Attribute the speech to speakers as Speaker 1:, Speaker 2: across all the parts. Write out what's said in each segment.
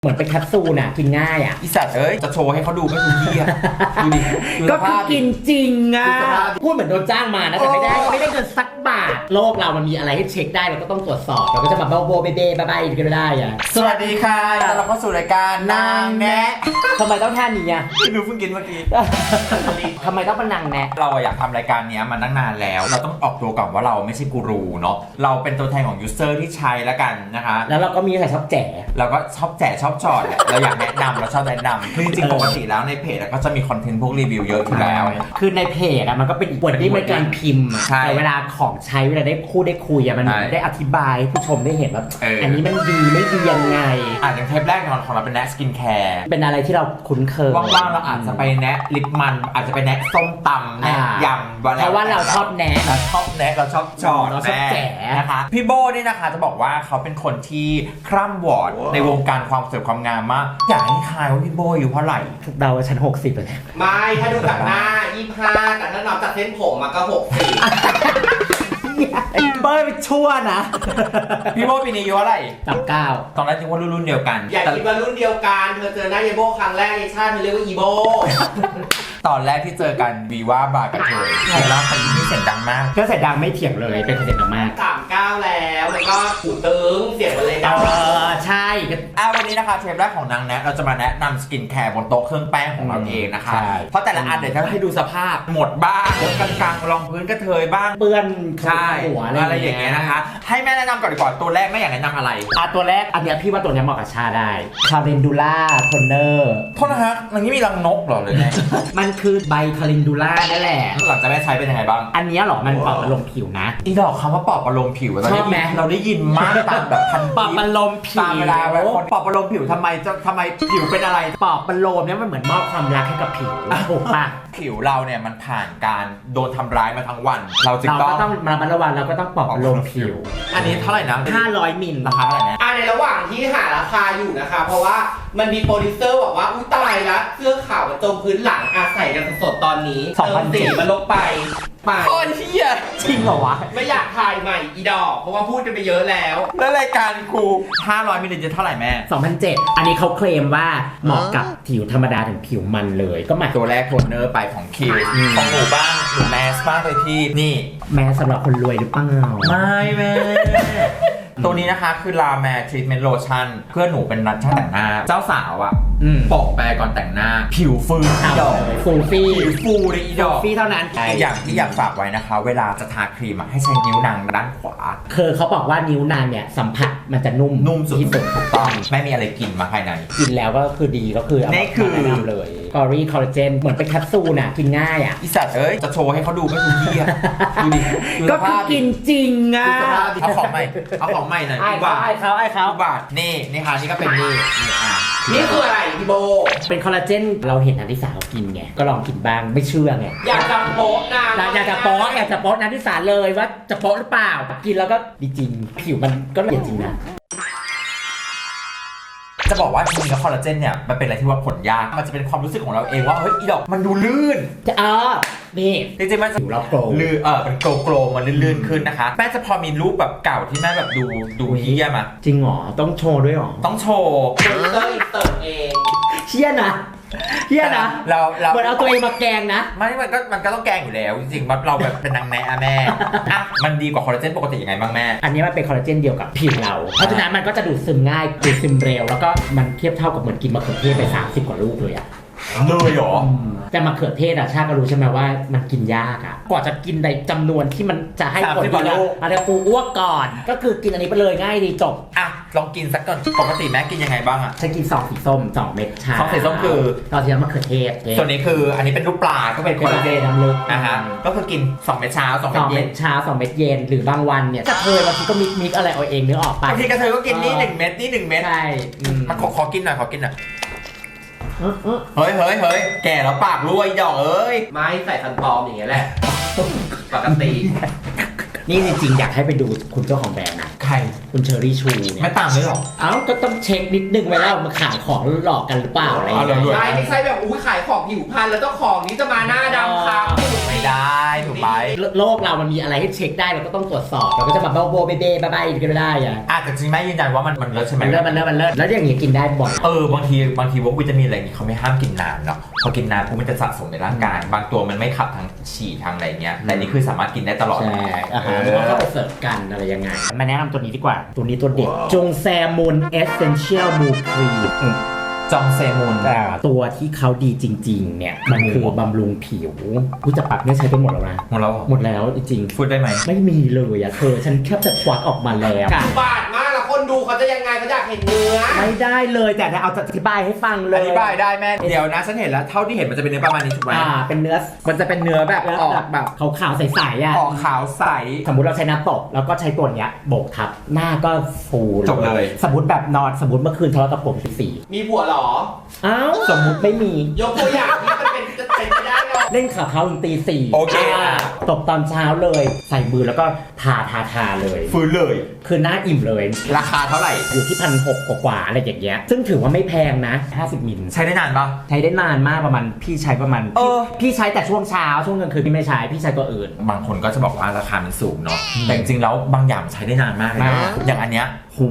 Speaker 1: เหมือนเป็นแคปซูลน่ะกินง่ายอ่ะ
Speaker 2: อีสัตว์จะโชว์ให้เขาดูไม่ถูกที่อ่ะดูดิ
Speaker 1: ก็คือกินจริงอ่ะพูดเหมือนโดนจ้างมานะแต่ไม่ได้เงินสักบาทโลกเรามันมีอะไรให้เช็คได้เราก็ต้องตรวจสอบเราก็จะมาโบเบ้บ้าๆกันไม่ได้อ่ะ
Speaker 2: สวัสดีค่ะต้อนรับเข้าสู่รายการนางแนะ
Speaker 1: ทำไมต้องท่านี้อ่ะ
Speaker 2: หนูเพิ่งกินเมื่อกี้
Speaker 1: ทำไมต้องเป็นนางแนะ
Speaker 2: เราอยากทำรายการนี้มาตั้งนานแล้วเราต้องออกตัวก่อนว่าเราไม่ใช่กูรูเนาะเราเป็นตัวแทนของยูเซอร์ที่ใช้แล้วกันนะคะ
Speaker 1: แล้วเราก็มีใครชอบแจก
Speaker 2: เราก็ชอบแจกชอบจอดแหละเราอยากแนะนำเราชอบแนะนำคือจริงๆปกติแล้วในเพจก็จะมีคอนเทนต์พวกรีวิวเยอะอยู่แล้ว
Speaker 1: คือในเพจมันก็เป็นอีกบทที่เป็นการพิมพ์แต่เวลาของใช้เวลาได้พูดได้คุยมันได้อธิบายผู้ชมได้เห็นว่าอันนี้มันดีไม่ดียังไง
Speaker 2: อย่างเทปแรกของเราเป็นแนะสกินแคร์
Speaker 1: เป็นอะไรที่เราคุ้นเคย
Speaker 2: ว่างๆเราอาจจะไปแนะลิปมันอาจจะไปแนะส้มตำแนะยำ
Speaker 1: เพราะว่าเราชอบแนะ
Speaker 2: เราชอบจอด
Speaker 1: เราชอบแจก
Speaker 2: นะคะพี่โบนี่นะคะจะบอกว่าเขาเป็นคนที่คร่ำวอร์ดในวงการความสวยความงามมากอยากให้ทายว่าพี่โบอยู่เท่าไหร่
Speaker 1: เดาว่าฉัน60เลย
Speaker 3: ไม่ถ้าดูจากหน้า25แต่ถ้านับจากเส้นผมมันก็
Speaker 1: เบอร์ไปชั่วนะ
Speaker 2: พี่โบปีนี้อายุเท่าไหร่
Speaker 1: 39
Speaker 2: ตอนแรกคิดว่ารุ่นเดียวกัน
Speaker 3: อย่าคิดว่ารุ่นเดียวกันเธอเจอหน้าเยโบครั้งแรกไอชาติเธอเรียกว่าอีโบ
Speaker 2: ตอนแรกที่เจอกันวีว่าบากับเธอใครเล่าคนนี้เสียงดังมาก
Speaker 1: ก็เสียงดังไม่เถียงเลยเป็นเสียงดังมาก
Speaker 3: 39แล้วมันก็หูตึงเสียงมันเลยดัง
Speaker 1: ใช่
Speaker 2: วันนี้นะคะเทปแรกของนางแนะเราจะมาแนะนำสกินแคร์บนโต๊ะเครื่องแป้งของเราเองนะคะเพราะแต่ละอันเดี๋ยวจะให้ดูสภาพหมดบ้างกลางๆรองพื้นกระเทยบ้าง
Speaker 1: เปื้อน
Speaker 2: หัวอะไรอย่างเงี้ยนะคะให้แม่แนะนำก่อนดีกว่าตัวแรกแม่อยากแนะนำอะไร
Speaker 1: ตัวแรกอันนี้พี่ว่าตัวนี้เหมาะกับชาได้คาเรนดูล่าโทนเนอร์
Speaker 2: โทษนะฮะมันนี้มีรังนกเหรอเลยไง
Speaker 1: มันคือใบคาเรนดูล่านั่นแหละ
Speaker 2: หลังจากแม่ใช้เป็นยังไงบ้าง
Speaker 1: อันนี้หรอมันปรับอารมณ์ผิวนะ
Speaker 2: อีดอกคำว่าปรับอารมณ์ผิว
Speaker 1: ชอบไหม
Speaker 2: เราได้ยินมากตามแบบพัน
Speaker 1: ปรับอารมณ์ผิว
Speaker 2: ตามเวลาคนปรับอารมณ์ผิวทำไมผิวเป็นอะไร
Speaker 1: ปรับอารมณ์เนี่ยมันเหมือนมอบความรักให้กับผิวถูกปะ
Speaker 2: ผิวเราเนี่ยมันผ่านการโดนทำร้ายมาทั้งวันเรา
Speaker 1: ก็ต้องมาระวังเราก็ต้องปรับอารมณ์ผิว
Speaker 2: อันนี้เท่าไหร่นะ
Speaker 1: 500 มิล
Speaker 2: ราคาเท่าไหร่นะ
Speaker 3: ในระหว่างที่หาราคาอยู่นะคะเพราะว่ามันมีโปรดิวเซอร์บอกว่าอุ้ยตายละเสื้อขาวจมพื้นหลังใส่กันสดๆตอนนี้เติมสีมันลงไป
Speaker 2: โคตรเหี้ย
Speaker 1: จริงเหรอวะ
Speaker 3: ไม่อยากถ่ายใหม่อีดอกเพราะว่าพูดกันไปเยอะแล้ว
Speaker 2: รายการกู500 มิลลิลิตรเท่าไหร่แม่
Speaker 1: 2,700อันนี้เขาเคลมว่าเหมาะกับผิวธรรมดาถึงผิวมันเลยก็หมาย
Speaker 2: ตัวแรกโทนเนอร์ไปของคิวของหนูบ้างหนูแมสบ้างเลยพี่นี่
Speaker 1: แมสสำหรับคนรวยหรือเปล่า
Speaker 2: ไม่แม่ตัวนี้นะคะคือลาแมร์ทรีทเมนต์โลชั่นเพื่อนหนูเป็นนักช่างแต่งหน้าเจ้าสาวอ่ะปอกแปรก่อนแต่งหน้าผิวฟูอีดอก
Speaker 1: ฟูฟี่
Speaker 2: ผิวฟูเลยอีดอก
Speaker 1: ฟี่เท่านั้น
Speaker 2: อีกอย่างที่อยากฝากไว้นะคะเวลาจะทาครีมให้ใช้นิ้วนางด้านขวา
Speaker 1: คือเขาบอกว่านิ้วนางเนี่ยสัมผัสมันจะนุ่ม
Speaker 2: สุดที่สุดถูกต้องไม่มีอะไรกินมาภายใน
Speaker 1: กินแล้วก็คือดีก็คือ
Speaker 2: นี่คือ
Speaker 1: แนะนำเลยกอรี่คอลลาเจนเหมือนเป็นแคปซูลน่ะกินง่ายอ่ะ
Speaker 2: อีสัตว์จะโชว์ให้เขาดูไม่ถูกที่อ่ะดูดิ
Speaker 1: ก็คือกินจริงอ่ะ
Speaker 2: เอาของใหม่หน่อย
Speaker 1: ไอ้เขา
Speaker 2: บาทนี่ค่ะนี่ก็เป็น
Speaker 3: นี่คืออะไรพี่โบ
Speaker 1: เป็นคอลลาเจนเราเห็นนันทิสาเขากินไงก็ลองกินบ้างไม่เชื่อไง
Speaker 3: อยากจะโป๊ะนะ
Speaker 1: อยากจะโป๊ะนันทิสาเลยว่าจะโป๊ะหรือเปล่ากินแล้วก็ดีจริงผิวมันก็ละเอียดจริงนะ
Speaker 2: จะบอกว่าจริงๆแล้วคอลลาเจนเนี่ยมันเป็นอะไรที่ว่าผลยากมันจะเป็นความรู้สึกของเราเองว่าเฮ้ยอีดอกมันดูลื่น
Speaker 1: นี่
Speaker 2: จริงๆมัน
Speaker 1: เราโกล
Speaker 2: ลื่นเป็นโกลมันลื่นๆขึ้นนะคะแม่จะพอมีรูปแบบเก่าที่แม่แบบดูเฮี้ยมา
Speaker 1: จริงหรอต้องโชว์ด้วยหรอ
Speaker 2: ต้องโชว์
Speaker 3: เติมเอง
Speaker 1: เฮี้ยนะ
Speaker 2: เรา
Speaker 1: เหมือนเอาตัวเองมาแกงนะ
Speaker 2: ไม่มันก็ต้องแกงอยู่แล้วจริงๆเราแบบเป็นนางแม่แม่มันดีกว่าคอลลาเจนปกติยังไงบ้างแม่
Speaker 1: อันนี้มันเป็นคอลลาเจนเดียวกับผิวเราเพราะฉะนั้นมันก็จะดูดซึมง่ายดูดซึมเร็วแล้วก็มันเทียบเท่ากับเหมือนกินมะเขือเทศไป30 กว่าลูกเลยอะ
Speaker 2: เลยเหรอ
Speaker 1: แต่มะเขือเทศชาก็รู้ใช่ไหมว่ามันกินยากอะกว่าจะกินในจำนวนที่มันจะให้ผลดีอะไรกูอ้วกก่อนก็คือกินอันนี้ไปเลยง่ายดีจบ
Speaker 2: ลองกินสักก่อนปกติแม่กินยังไงบ้างอะ
Speaker 1: ฉันกิน2 สีส้ม2 เม็ดชา
Speaker 2: 2 สีส้มคือ
Speaker 1: ตอนที่มะเขือเทศ
Speaker 2: ส่วนนี้คืออันนี้เป็นลูกปลาก็เป็นคอลลาเจน
Speaker 1: น้ำลึก
Speaker 2: ก็คือกิน2 เม็ดเช้า2 เม็ดเย็น
Speaker 1: 2 เม็ดเย็นหรือบางวันเนี่ยกระเทยบางทีก็มิกอะไรเอาเองนึกออกปะ
Speaker 2: บางทีกระเทยก็กินนี่1 เม็ดนี่1 เม็ด
Speaker 1: ใช่
Speaker 2: มันขอกินหน่อยเฮ้ยแก่แล้วปากรั่วอีดอก
Speaker 3: ไม่ใส่ฟันปลอมอย่างเงี้ยแหละปกติ
Speaker 1: นี่จริงๆอยากให้ไปดูคุณเจ้าของแบรนด์นะ
Speaker 2: ใครร
Speaker 1: คุณเชอรี่ชูเนี่ย
Speaker 2: ไม่ตามเลยหรอ
Speaker 1: เอ้าก็ต้องเช็คนิดนึงไว้แล้วมาขายของหลอกกันหรือเปล่าอะไรอย่าง
Speaker 2: เอาเลย
Speaker 1: เงี้ย
Speaker 3: ใช่ไม่ใช่แบบอุ้ยขายของผิวพรรณแล้วเจ้าของนี้จะมาหน้าดำครับ
Speaker 2: ไม่ได้ถูกไหม
Speaker 1: โลกเรามันมีอะไรให้เช็คได้เราก็ต้องตรวจสอบเราก็จะมาโบเบเบ้บ้าๆกันไม่ได้อะ
Speaker 2: อาจจะจริงแม่ยืนยันว่ามันเลิศใช่ไหม
Speaker 1: มันเลิศแล้วอย่างงี้กินได้บ่อย
Speaker 2: บางทีพวกวิตามินอะไรอย่างงี้เขาไม่ห้ามกินนานเนาะพอกินนานปุ๊บมันจะสะสมในร่างกาย บางตัวมันไม่ขับทางฉี่ทางอะไรเงี้ยแต่นี่คือสามารถกินได้ตลอด
Speaker 1: ใช่อาหารมันก็เข้าไปเสิร์ฟกันอะไรยังไงมาแนะนำตัวนี้ดีกว่าตัวนี้ตัวเด็ดจงแซมูนเอเซนเชียลมูครีม
Speaker 2: จองเซมุน
Speaker 1: ตัวที่เขาดีจริงๆเนี่ยมันคือบำรุงผิวผู้จะปักเนี่ยใช้ไปหมดแล้วนะ
Speaker 2: หมดแล้ว
Speaker 1: หมดแล้วจริง
Speaker 2: พูดได้ไหม
Speaker 1: ๆไม่มีเลยอะเธอฉันแค่จะควักออกมาแล้ว
Speaker 3: บาดมากแล้วคนดูเขาจะยังไงเขาอยากเห็นเนื้อ
Speaker 1: ไม่ได้เลยแต่เอาจะอธิบายให้ฟังเลย
Speaker 2: อธิบายได้แม่เดี๋ยวนะฉันเห็นแล้วเท่าที่เห็นมันจะเป็นเนื้อประมาณนี้ถูกไหม
Speaker 1: เป็นเนื้อ
Speaker 2: มันจะเป็นเนื้อแบบออกแบบ
Speaker 1: ขาวๆใสๆอ่ะ
Speaker 2: ออกขาวใส
Speaker 1: สมมุติเราใช้น้ำตกแล้วก็ใช้ตัวเนี้ยโบกทับหน้าก็ฟู
Speaker 2: จบเลย
Speaker 1: สมมติแบบนอนสมมติเมื่อคืนทะเลาะกับผมสี
Speaker 3: มีผัวเหรอ
Speaker 1: อ้าวสมมุติไม่มี
Speaker 3: ยกตัวอย่างที่มันเป็นจะเป็นไปได้หรอ
Speaker 1: เล่นข่าวเขาถึงตี 4
Speaker 2: โอเค
Speaker 1: ตกตอนเช้าเลยใส่มือแล้วก็ทาเลย
Speaker 2: ฟื้นเลย
Speaker 1: คือหน้าอิ่มเลย
Speaker 2: ราคาเท่าไหร่
Speaker 1: อยู่ที่1,600กว่าๆอะไรอย่างเงี้ยซึ่งถือว่าไม่แพงนะ50มิล
Speaker 2: ใช้ได้นานปะ
Speaker 1: ใช้ได้นานมากประมาณพี่ใช้ประมาณ พี่ใช้แต่ช่วงเช้าช่วงกลางคืนพี่ไม่ใช้พี่ใช้ตัวอื่น
Speaker 2: บางคนก็จะบอกว่าราคามันสูงเนาะแต่จริงๆแล้วบางอย่างใช้ได้นานมากเลยนะ
Speaker 1: มาก
Speaker 2: อย่างอันเนี้ยหู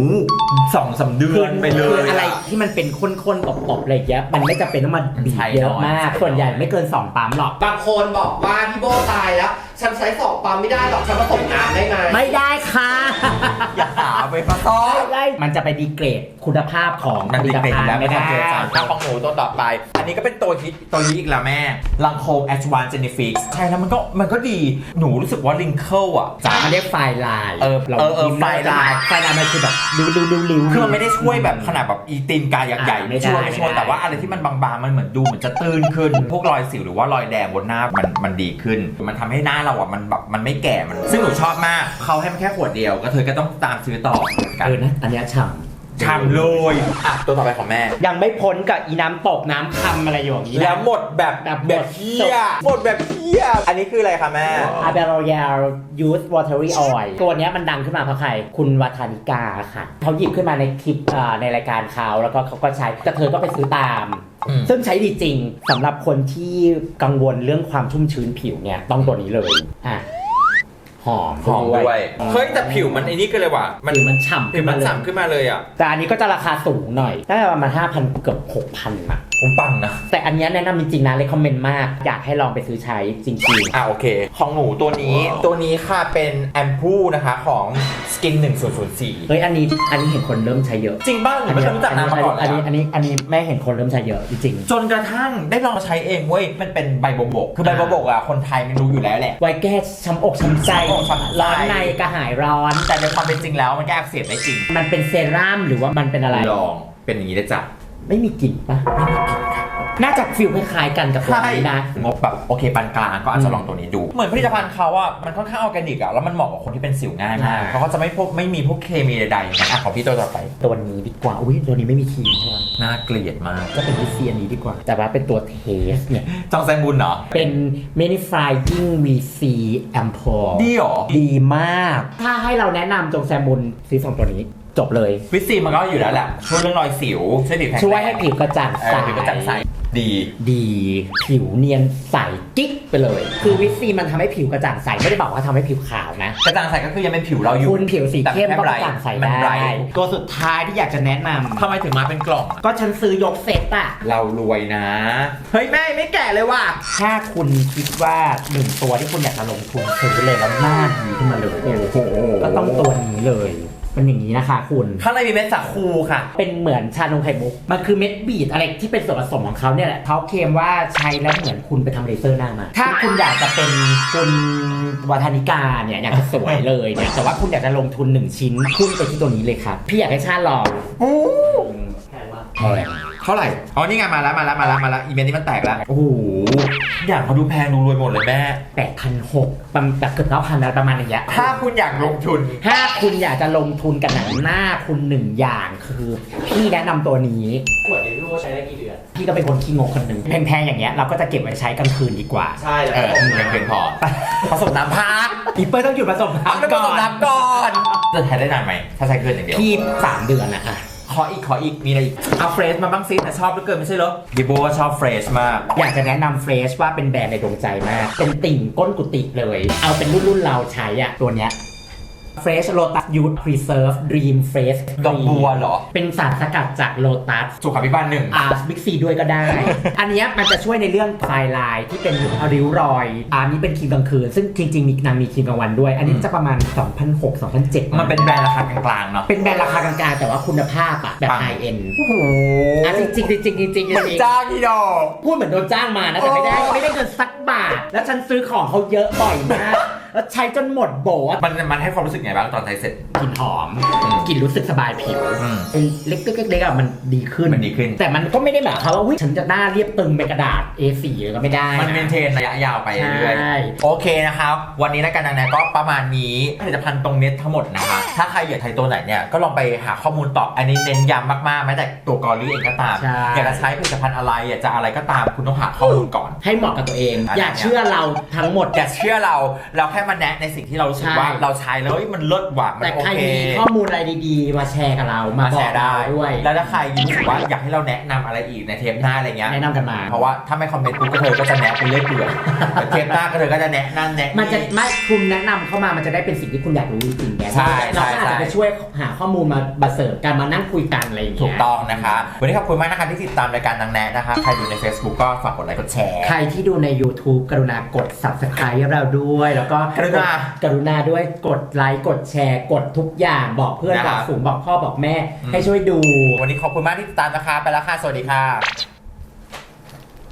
Speaker 2: 2-3 เดือนไปเล
Speaker 1: คือย อะไรที่มันเป็นข้นๆตบๆอะไรอย่างเงี้ยมันไม่จำเป็นต้องมาบีบเยอะมากส่วนใหญ่ไม่เกิน2ปั๊มหรอก
Speaker 3: บางคนบอกว่าพี่โบตายแล้ว ฉันใช้สองปั๊มไม่ได้หรอกฉันผสมน้ำได้ไหม
Speaker 1: ไม่ได้ค่ะ
Speaker 2: อย่าหาไปผสม
Speaker 1: ไม่ได้มันจะไปดีเกรดคุณภาพของ
Speaker 2: มันดีเกรดอยู่แล้ว
Speaker 1: ไม่
Speaker 2: ไม่
Speaker 1: ได้
Speaker 2: ต้องเจอจานข้าวของหมูตัวต่อไป อันนี้ก็เป็นตัวฮิตตัวนี้อีกแล้วแม่ลังโคม Advanced Genifix ใช่แล้วมันก็ดีหนูรู้สึกว่าลิงเคิลอ่ะ
Speaker 1: จ๋ามันเรียกไฟลาย
Speaker 2: ไฟลาย
Speaker 1: ไฟลายมันคือแบบริ้วๆๆ
Speaker 2: คือมันไม่ได้ช่วยแบบขนาดแบบอีตีนกายใหญ่ๆ
Speaker 1: ไม่ได้
Speaker 2: ช่วยแต่ว่าอะไรที่มันบางๆมันเหมือนดูเหมือนจะตื้นขึ้น พวกรอยสิวหรือว่ารอยแดงบนหน้ามันดีขึ้น มันทำให้หน้าเราอ่ะมันแบบมันไม่แก่มันซึ่งหนูชอบมากเขาให้มันแค่ขวดเดียวก็เธอก็ต้องตามซื้อต่อกัน
Speaker 1: นะอันเนี้ยฉ่ำ
Speaker 2: ทำเลยอ่ะตัวต่อไปของแม่
Speaker 1: ยังไม่พ้นกับอีน้ำตกน้ำคำอะไรอย่างนี้นะ
Speaker 2: แล้วหมดแบบ
Speaker 1: แบบ
Speaker 2: เฮียหมดแบบเฮียอันนี้คืออะไรคะแม่
Speaker 1: อาเบโรยาลยูสวอเตอรี่ออยล์ตัวเนี้ยมันดังขึ้นมาเพราะใครคุณวัฒนิกาค่ะเขาหยิบขึ้นมาในคลิปในรายการเขาแล้วก็เขาก็ใช้แต่เธอก็ไปซื้อตาม ซึ่งใช้ดีจริงสำหรับคนที่กังวลเรื่องความชุ่มชื้นผิวเนี่ยต้องตัวนี้เลยอ่ะหอม
Speaker 2: ด้วยเฮ้ยแต่ผิวมันไอ้นี่ก็เลยว่ะ
Speaker 1: ผิวมันฉ่ำ
Speaker 2: ผิวมันฉ่ำขึ้นมาเลยอ่ะ
Speaker 1: แต่อันนี้ก็จะราคาสูงหน่อยได้ประมาณ 5,000 เกือบ 6,000อ่ะ
Speaker 2: ผมปังนะ
Speaker 1: แต่อันเนี้ยแนะนำจริงๆนะเลยคอมเมนต์มากอยากให้ลองไปซื้อใช้จริง
Speaker 2: โอเค ของหนูตัวนี้ค่ะเป็นแอมพูนะคะของ Skin 1004
Speaker 1: เฮ้ยอันนี้เห็นคนเริ่มใช้เยอะ
Speaker 2: จริงบ้างหนูไม่เคยรู้จักนามมาก่อนเลย
Speaker 1: อันนี้แม่เห็นคนเริ่มใช้เยอะจริง
Speaker 2: จนกระทั่งได้ลองใช้เองเว้ยมันเป็นใบโบกคือใบโบกอ่ะคนไทยมันรู้อยู่แล้วแหละ
Speaker 1: ๆไว้แก้ช้ำอกช้ำใจ
Speaker 2: ช้ำอกช้ำใจ
Speaker 1: ร้อนในกระหายร้อน
Speaker 2: แต่ในความเป็นจริงแล้วมันแก้อักเสบได้จริง
Speaker 1: มันเป็นเซรั่มหรือว่ามันเป็นอะไร
Speaker 2: ลองเป็นอย่างนี้ได้จ้ะ
Speaker 1: ไม่มีกลิ่นปะไม่มีกลิ่นค่ะน่าจะฟิลคล้ายๆกันกับตัวนี้นะ
Speaker 2: งบแบบโอเคปานกลางก็อาจจะลองตัวนี้ดู เหมือนผลิตภัณฑ์เขาอ่ะมันค่อนข้างออร์แกนิกอ่ะแล้วมันเหมาะกับคนที่เป็นสิวง่ายมากเพราะเขาจะไม่มีพวกเคมีใดๆนะของพี่ตัวต่อไป
Speaker 1: ตัวนี้ดีกว่าอุ้ยตัวนี้ไม่มีครีมใช่ไหม
Speaker 2: น่าเกลียดมาก
Speaker 1: ก็เป็นวิซีอันนี้ดีกว่า แต่ว่าเป็นตัวเทสเนี่ย
Speaker 2: จองแซงบุญเหรอ
Speaker 1: เป็น Manifying VC Ampoule
Speaker 2: ดีเหรอ
Speaker 1: ดีมาก ถ้าให้เราแนะนำจงแซมบุญซื้อ2ตัวนี้จบเลย
Speaker 2: วิซีมันก็อยู่แล้วแหละช่วยเรื่องรอยสิวช่วยผิวแข็งแรง
Speaker 1: ช่วยให้ผิวกระจ่างใส
Speaker 2: ผิวกระจ่างใสดี
Speaker 1: ดีผิวเนียนใสกิ๊กไปเลย คือวิซีมันทำให้ผิวกระจ่างใสไม่ได้บอกว่าทำให้ผิวขาวนะ
Speaker 2: กระจ่างใสก็คือยังเป็นผิวเราอยู่
Speaker 1: คุณผิวสีเข้มก็กระจ่างใส
Speaker 2: มัน
Speaker 1: ได้
Speaker 2: ไร
Speaker 1: ตัวสุดท้ายที่อยากจะแนะนำ
Speaker 2: ทำไมถึงมาเป็นกล่อง
Speaker 1: ก็ฉันซื้อยกเซตอะ
Speaker 2: เรารวยนะ เฮ้ยแม่ไม่แก่เลยว่ะ
Speaker 1: ถ้าคุณคิดว่า1ตัวที่คุณอยากจะลงทุนซื้อเลยแล้วหน้าดีขึ้นมาเลยก็ต้องตัวนี้เลยมันอย่างนี้นะคะคุณ
Speaker 2: ข้างในมีเม็ดสาคูค่ะ
Speaker 1: เป็นเหมือนชานมไข่มุกมันคือเม็ดบีดอะไรที่เป็นส่วนผสมของเขาเนี่ยแหละเขาเคลมว่าใช้แล้วเหมือนคุณไปทำเลเซอร์หน้ามาถ้าคุณอยากจะเป็นคุณวัฒนิกาเนี่ยอยากจะสวยเลยเนี่ยแต่ว่าคุณอยากจะลงทุน1ชิ้นพุ่งไปที่ตัวนี้เลยครับพี่อยากให้ชาติลองแพง
Speaker 2: เท่าไหร่ อ๋อ นี่ไงมาแล้วอีเมลนี้มันแตกแล้ว โอ้โหอย่างเขาดูแพงดูรวยหมดเลยแม่
Speaker 1: 8,600แบบเกือบ9,000แล้วประมาณอย่างเงี้ย
Speaker 2: ถ้าคุณอยากลงทุน
Speaker 1: ถ้าคุณอยากจะลงทุนกับหนังหน้าคุณ1อย่างคือพี่แนะนำตัวนี้
Speaker 3: ขวดนี้รวยว่าใช้ได้กี่เดือน
Speaker 1: พี่ก็เป็นคนขี้งกคนหนึ่งแพงๆอย่างเงี้ยเราก็จะเก็บไว้ใช้กลางคืนดีกว่า
Speaker 3: ใช่แล้ว
Speaker 2: ยังเพียงพอผสมน้ำพัก
Speaker 1: อีเปิ้ลต้องหยุดผสม
Speaker 2: ต้อง
Speaker 1: น้ำ
Speaker 2: ผ
Speaker 1: ก่
Speaker 2: ส
Speaker 1: อ
Speaker 2: ม
Speaker 1: น
Speaker 2: น้ำก่อนจะใช้ได้นานไหมถ้าใช้เกินอย่างเดียว
Speaker 1: พี่3 เดือนอะ
Speaker 2: ขออีกมีอะไรอีกเอาเฟรชมาบ้างซิแต่ชอบเหลือเกินไม่ใช่เหรอดิโบก็ชอบเฟรชมาก
Speaker 1: อยากจะแนะนำเฟรชว่าเป็นแบรนด์ในดวงใจมาก เป็นติ่งก้นกุฏิเลย เอาเป็นรุ่นเราใช้อะตัวเนี้ย Fresh Lotus Youth Preserve Dream Fresh
Speaker 2: ดอกบัวเหรอ
Speaker 1: เป็นสารสกัดจากโลตัส
Speaker 2: สุขาภิบาล 1
Speaker 1: บิ๊กซีด้วยก็ได้ อันเนี้ยมันจะช่วยในเรื่องไฟลายที่เป็นริ้วรอยอันนี้เป็นครีมกลางคืน ซึ่งจริงๆมีนางมีครีมกลางวันด้วย อันนี้จะประมาณ 2006-2007
Speaker 2: มันเป็นแบรนด์ราคากลางๆเนาะ
Speaker 1: เป็นแบรนด์ราคากลางๆแต่ว่าคุณภาพอะแบบ
Speaker 2: ปัง
Speaker 1: ไฮเอ็น
Speaker 2: โอ้โห
Speaker 1: จริงๆ
Speaker 2: เหมือนจ้างที่ดอก
Speaker 1: พูดเหมือนโดนจ้างมานะแต่ไม่ได้เงินสักบาท แล้วฉันซื้อของเขาเยอะบ่อยมาก แล้วใช้จนหมดโบะ
Speaker 2: มันให้ความรู้สึกไงบ้างตอนใช้เสร็จ
Speaker 1: กลิ่นหอมกลิ่นรู้สึกสบายผิว เป็นเล็กๆอะมันดีขึ้น แต่มันก็ไม่ได้แบบว่าฉันจะหน้าเรียบตึงเป็นกระดาษ A4 เลยก็ไม่ได้
Speaker 2: มันเมนเทนระยะยาวไปเรื่อย
Speaker 1: ใช่
Speaker 2: ๆโอเคนะครับ วันนี้รายการนางแนก็ประมาณนี้ผลิตภัณฑ์ตรงเน็ตทั้งหมดนะคะถ้าใครอยากใช้ตัวไหนเนี่ยก็ลองไปหาข้อมูลต่ออันนี้เน้นย้ำมากๆแม้แต่ตัวกอรี่เองก็ตาม
Speaker 1: ใช่
Speaker 2: อยากจะใช้ผลิตภัณฑ์อะไรอยากจะอะไรก็ตามคุณต้องหาข้อมูลก่อน
Speaker 1: ให้เหมาะกับตัวเอง
Speaker 2: อันนั้น
Speaker 1: อย่าเชื่อเราทั้งหมด
Speaker 2: อย่าเชื่อเราแค่มาแนะในสิ่งที่เรารู้สึกว่า
Speaker 1: ใช่
Speaker 2: เราใช้แล้วเฮ้ยมันเลิศว่ะมัน
Speaker 1: แต่
Speaker 2: โอ
Speaker 1: ใคร
Speaker 2: เค
Speaker 1: มีข้อมูลอะไรดีๆ มาแชร์กับเรา มา
Speaker 2: มา
Speaker 1: บ
Speaker 2: แช
Speaker 1: อก
Speaker 2: ร์ได้
Speaker 1: เราด้วย
Speaker 2: แล้วถ้าใครรู้สึกว่าอยากให้เราแนะนำอะไรอีกในเทปหน้าอะไรเงี้ย
Speaker 1: แนะนำกันมา
Speaker 2: เพราะว่าถ้าไม่คอมเมนต์ปุ๊บก็เธอก็จะแนะไปเรื่อยเปื่อยแต่เทปหน้าก็เธอก็จะแนะนั่นแนะ
Speaker 1: มันจะไม่คุณแนะนำเข้ามามันจะได้เป็นสิ่งที่คุณอยากรู้จริงๆไง
Speaker 2: ใช่
Speaker 1: เราก็อาจ
Speaker 2: ใช่
Speaker 1: จะไปช่วยหาข้อมูลมาเสริมกันมานั่งคุยกันอะไรอย่างเงี้ย
Speaker 2: ถูกต้องนะคะ วันนี้ขอบคุณมากนะคะที่ติดตามรายการนางแนะนะคะ ใครดูใน Facebook ก็ฝากกดไลค์กดแชร์
Speaker 1: ใครที่ดูใน YouTube กรุณากด Subscribe ให้เราด้วย แล้วก็
Speaker 2: กรุณา
Speaker 1: ด้วยกดไลค์กดแชร์กดทุกอย่างบอกเพื่อน
Speaker 2: นะครับ
Speaker 1: บอกฝูงบอกพ่อบอกแม่ให้ช่วยดู
Speaker 2: วันนี้ขอบคุณมากที่ติดตามนะคะ ไปแล้วค่ะ สวัสดีค่ะ